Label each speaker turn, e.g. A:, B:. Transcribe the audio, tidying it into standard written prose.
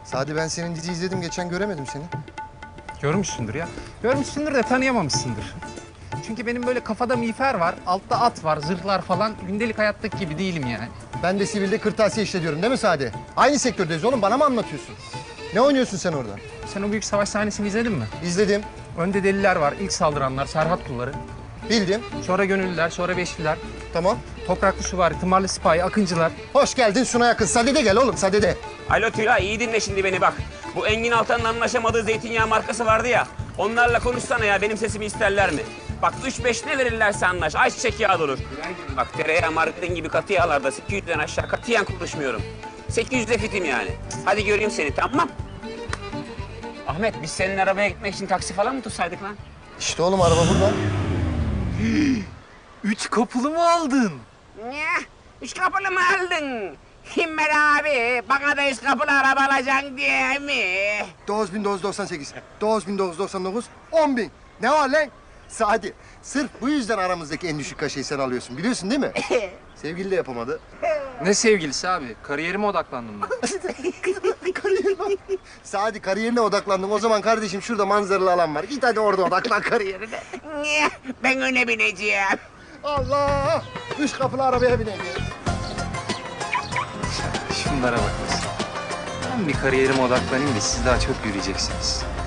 A: Sadi ben senin dizi izledim geçen göremedim seni.
B: Görmüşsündür ya. Görmüşsündür de tanıyamamışsındır. Çünkü benim böyle kafada miğfer var, altta at var, zırhlar falan. Gündelik hayattaki gibi değilim yani.
A: Ben de sivilde kırtasiye işletiyorum değil mi Sadi? Aynı sektördeyiz oğlum bana mı anlatıyorsun? Ne oynuyorsun sen orada?
B: Sen o büyük savaş sahnesini izledin mi?
A: İzledim,
B: Önde deliler var, ilk saldıranlar, Serhat kulları.
A: bildim.
B: Sonra gönüllüler, sonra beşliler.
A: Tamam.
B: Topraklı süvari, tımarlı sipahi, akıncılar.
A: Hoş geldin Suna yakın. Sade'de gel oğlum Sade'de.
C: Alo Tülay, iyi dinle şimdi beni bak. Bu Engin Altan'ın anlaşamadığı zeytinyağı markası vardı ya. Onlarla konuşsana ya, benim sesimi isterler mi? Bak 3-5 ne verirlerse anlaş, ayçiçek yağı da olur. Bak tereyağı, margarin gibi katı yağlarda 800'den aşağı katiyen konuşmuyorum. 800'de fitim yani. Hadi göreyim seni, tamam? Ahmet, biz senin arabaya gitmek için taksi falan mı tutsaydık lan?
A: İşte oğlum araba burada.
B: 3 kapılı mı aldın?
C: Ne? 3 kapılı mı aldın? Himmel abi, bana da 3 kapılı araba alacaksın diye mi?
A: 9998, 9999, 10.000. Ne var lan? Sadi, sırf bu yüzden aramızdaki en düşük kaşeyi sen alıyorsun. Biliyorsun değil mi? Sevgili de yapamadı.
B: Ne sevgilisi abi? Kariyerime odaklandım ben.
A: Sadi kariyerine odaklandım. O zaman kardeşim şurada manzaralı alan var. Git hadi orada odaklan kariyerine.
C: Ne? Ben öne bineceğim.
A: Allah! 3 kapılı arabaya bineceğiz.
B: Şunlara bak. Ben bir kariyerime odaklanayım da siz daha çok yürüyeceksiniz.